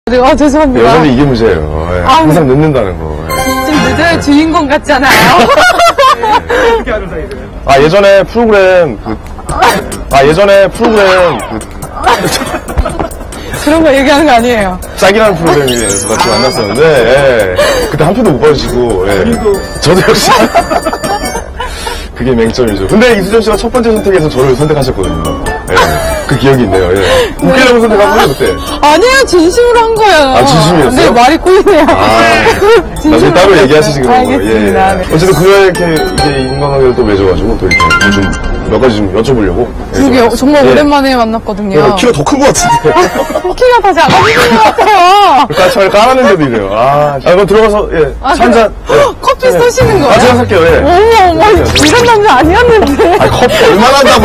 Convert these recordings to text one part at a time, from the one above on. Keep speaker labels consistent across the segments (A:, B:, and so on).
A: 죄송합니다.
B: 여자는 이게 문제예요. 예. 항상 늦는다는 거. 예.
A: 좀 늦어요. 주인공 같잖아요.
B: 어떻게 하는 사이세요? 예전에 프로그램
A: 그런 거 얘기하는 거 아니에요.
B: 짝이라는 프로그램에서 같이 만났었는데, 예. 그때 한 표도 못 받으시고, 예. 저도 역시. 그게 맹점이죠. 근데 이수정 씨가 첫 번째 선택에서 저를 선택하셨거든요. 예. 그 기억이 있네요. 예. 웃기려고 선택한 거예요, 그때?
A: 아니에요. 진심으로 한 거예요.
B: 진심이었어요?
A: 네, 말이 꼬이네요.
B: 나중에 따로 얘기하시지, 그런 거.
A: 알겠습니다. 네.
B: 어쨌든 그렇게 이제 인간관계를 또 맺어가지고, 또 이렇게 몇 가지 좀 여쭤보려고.
A: 그게 정말 오랜만에 만났거든요.
B: 키가 더 큰 것 같은데.
A: 키가 다 작아지는 것 같아요.
B: 까치를 깔았는데도 이래요. 그럼 들어가서, 예. 한잔.
A: 커피 쏘시는 거예요?
B: 제가 살게요, 예.
A: 어머, 이런 남자 아니었는데.
B: 커피 얼마나 한다고.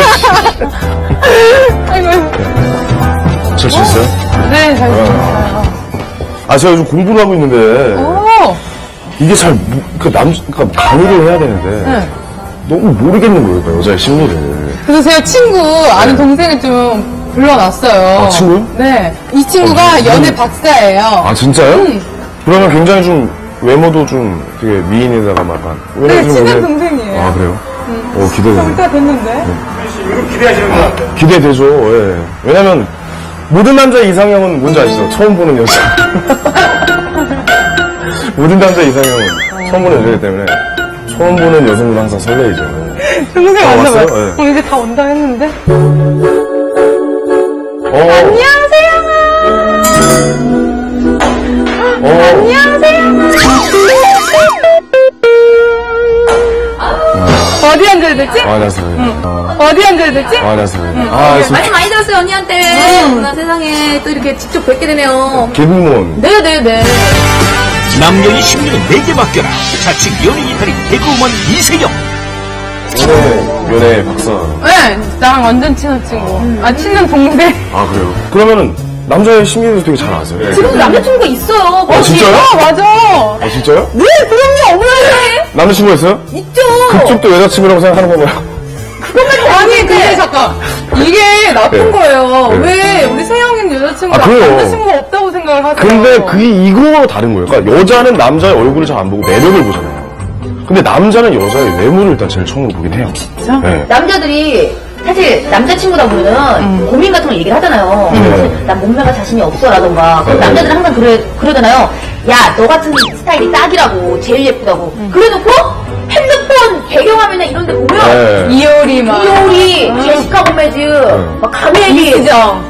A: 아이고.
B: 잘 지냈어요?
A: 네, 잘 지냈어요.
B: 제가 요즘 공부를 하고 있는데. 이게 그러니까 강의를 해야 되는데.
A: 네.
B: 너무 모르겠는 거예요, 그러니까 여자의 심리를.
A: 그래서 제가 아는 동생을 좀 불러놨어요.
B: 친구요?
A: 네. 이 친구가 연애 박사예요.
B: 진짜요? 그러면 굉장히 좀, 외모도 좀 되게 미인에다가 막.
A: 네, 친한 동생이에요.
B: 그래요? 기대되네.
A: 일단 됐는데.
B: 이거 기대하시는 거 같아요? 기대되죠, 예. 왜냐면, 모든 남자의 이상형은 뭔지 아시죠? 처음 보는 여자. 모든 남자의 이상형은 처음 보는 여자이기 때문에, 처음 보는 여성은 항상 설레이죠.
A: 동생
B: 왔어요?
A: 네. 이제 다 온다 했는데.
B: 안녕하세요.
A: 안녕하세요. 어디 앉아야 되지?
B: 안녕하세요.
A: 어디 앉아야 되지?
B: 안녕하세요.
C: 말씀 많이 들었어요, 언니한테. 나 세상에 또 이렇게 직접 뵙게 되네요.
B: 개그우먼.
C: 네네네.
D: 남녀의 심리는 내게 맡겨라. 자칭 연예인 달인 개그우먼 이세영.
B: 연애 박사.
A: 네, 나랑 완전 친한 친구. 친한 동생.
B: 그래요? 그러면은, 남자의 심리도 되게 잘 아세요?
C: 지금도 남자친구가 있어요.
B: 진짜요?
A: 맞아.
B: 진짜요?
A: 네, 그럼요. 없는데.
B: 남자친구가 있어요?
C: 있죠.
B: 그쪽도 여자친구라고 생각하는 건가요?
A: 아니, 근데 잠깐. 이게 나쁜
B: 네.
A: 거예요.
B: 네.
A: 왜 우리 세영이는 여자친구가
B: 그래요.
A: 남자친구가 없다고 생각을 하세요?
B: 근데 그게 이거와 다른 거예요. 그러니까 여자는 남자의 얼굴을 잘 안 보고 매력을 보잖아요. 근데 남자는 여자의 외모를 일단 제일 처음으로 보긴 해요.
A: 진짜?
B: 네.
C: 남자들이 사실 남자친구다 보면은 고민 같은 걸 얘기를 하잖아요. 난 몸매가 자신이 없어라던가. 그럼 남자들은 항상 그러잖아요. 야, 너 같은 스타일이 딱이라고. 제일 예쁘다고. 그래놓고 핸드폰 배경화면이나 이런 데 보면
A: 이효리 막.
C: 이효리, 제시카 고메즈, 막 가메리.
A: 이수정.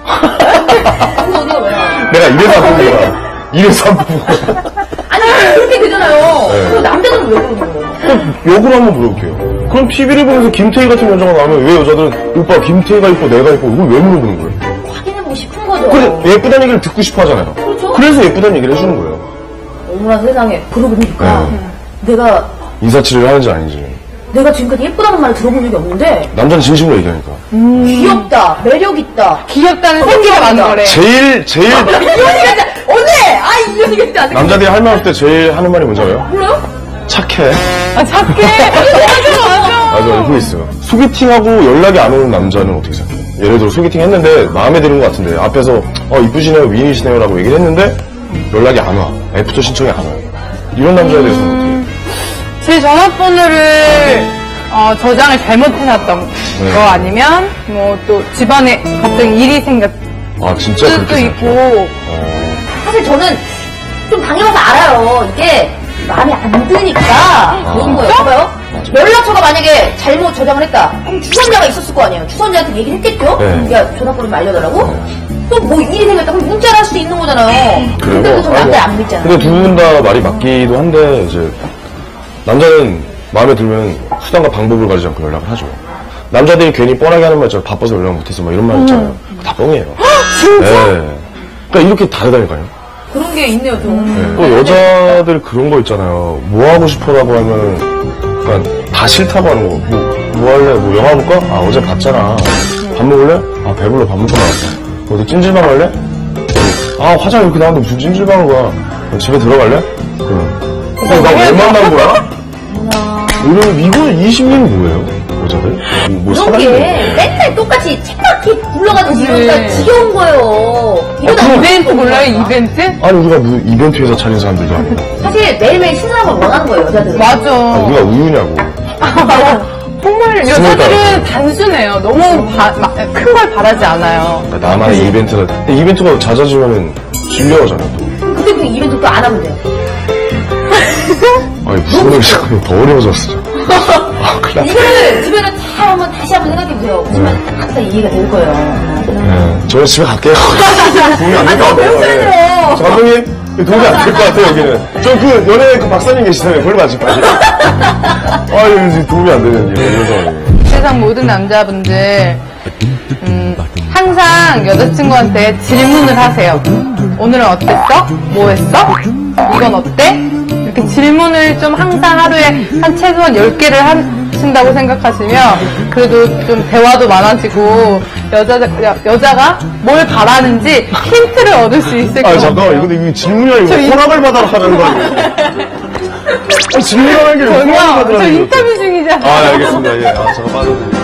B: 내가 이래서 안 보는 거야. 이래서 안 보는 거야.
C: 아니, 그렇게 되잖아요. 그럼 남자들은 왜 그러는 거예요?
B: 욕을 한번 물어볼게요. 그럼 TV를 보면서 김태희 같은 여자가 나오면 왜 여자들은 오빠 김태희가 이뻐 내가 이뻐 이걸 왜 물어보는 거예요?
C: 확인해보고 싶은 거죠.
B: 그래 예쁘다는 얘기를 듣고 싶어 하잖아요.
C: 그렇죠.
B: 그래서 예쁘다는 얘기를 해주는 거예요.
C: 어머나 세상에. 그러고 보니까 내가
B: 인사치레를 하는지 아닌지.
C: 내가 지금까지 예쁘다는 말을 들어본 적이 없는데
B: 남자는 진심으로 얘기하니까.
C: 귀엽다, 매력있다.
A: 귀엽다는 생기가 많은 거래.
B: 제일
C: 언니! 이 언니가 진짜 안 돼.
B: 남자들이 할 말 할 때 제일 하는 말이 뭔지 알아요?
C: 몰라요?
B: 착해.
A: 착해. 맞아.
B: 맞아, 그거 있어요. 소개팅하고 연락이 안 오는 남자는 어떻게 생각해요? 예를 들어 소개팅 했는데 마음에 드는 것 같은데 앞에서 이쁘시네요, 미인이시네요 라고 얘기를 했는데 연락이 안 와. 애프터 신청이 안 와요. 이런 남자에 대해서는 어떻게 해요?
A: 제 전화번호를 저장을 잘못해놨던 거 아니면 또 집안에 갑자기 일이 생겼
B: 진짜
A: 수도
B: 그렇게
A: 있고.
C: 사실 저는 좀 당해봐서 알아요. 이게 마음에 안 드니까 그런 거예요. 봐봐요. 연락처가 만약에 잘못 저장을 했다. 그럼 주선자가 있었을 거 아니에요. 주선자한테 얘기를 했겠죠?
B: 네.
C: 야, 전화번호 좀 알려달라고? 또 뭐 일이 생겼다. 그럼 문자를 할 수도 있는 거잖아요.
B: 그래요?
C: 근데 저 남자 안 믿잖아요.
B: 근데 두 분 다 말이 맞기도 한데 이제 남자는 마음에 들면 수단과 방법을 가리지 않고 연락을 하죠. 남자들이 괜히 뻔하게 하는 말 있잖아요. 바빠서 연락 못해서 막 이런 말 있잖아요. 다 뻥이에요.
A: 진짜?
B: 네. 그러니까 이렇게 다르다니까요.
C: 그런 게 있네요, 좀.
B: 네. 또 여자들 그런 거 있잖아요. 뭐 하고 싶어라고 하면은 그러니까 다 싫다고 하는 거. 뭐 할래? 뭐 영화 볼까? 어제 봤잖아. 밥 먹을래? 배불러 밥 먹고 나왔어. 어디 찜질방 갈래? 화장 이렇게 나왔는데 무슨 찜질방을 가? 집에 들어갈래? 그럼 나 왜 만난 거야? 이러면 이거 이 심리는 뭐예요? 여자들? 다들? 뭐
C: 그런
B: 사다리
C: 게 맨날 똑같이 책바퀴 굴러가듯이
A: 그치.
C: 이러니까 지겨운 거예요. 이러다
A: 이벤트 몰라요, 이벤트?
B: 아니 우리가 무슨 이벤트에서 차린 사람들도 아니고
C: 사실 매일매일 신선한 걸 원하는 거예요, 여자들은.
A: 맞아.
B: 우리가 우유냐고.
A: 정말 여자들은 단순해요. 너무 큰 걸 바라지 않아요.
B: 그러니까 나만의 이벤트가 근데 이벤트가 잦아지면 질려하잖아요.
C: 근데 그 이벤트 또 안 하면 돼요.
B: 아니 무슨 일이 자꾸 더 어려워졌어. 아 큰일 났다.
C: 이거를 주변에 잘 한번 다시 한번 생각해보세요. 그러면 항상 이해가 될 거예요.
B: 네, 저는 집에 갈게요. 도움이 안 될 것 같아요.
C: 배우셔야죠.
B: 네. 저 감독님 도움이 안 될 것 같아요 여기는. 저 그 연예 그 박사님 계시잖아요. 그걸 맞을 빨리. 아 여기 도움이 안 되는 게 이런 상황이에요.
A: 세상 모든 남자분들 항상 여자친구한테 질문을 하세요. 오늘은 어땠어? 뭐 했어? 이건 어때? 이렇게 질문을 좀 항상 하루에 한 최소한 10개를 하신다고 생각하시면 그래도 좀 대화도 많아지고 여자가 뭘 바라는지 힌트를 얻을 수 있을 것
B: 아
A: 같아요.
B: 잠깐만 이거 이게 질문이 아니고 허락을 받아라 하는 거 아니에요? 질문하는 게 허락을
A: 저기요,
B: 받아라.
A: 저 인터뷰 중이잖아요.
B: 아 알겠습니다. 예. 아 잠깐 빠졌네.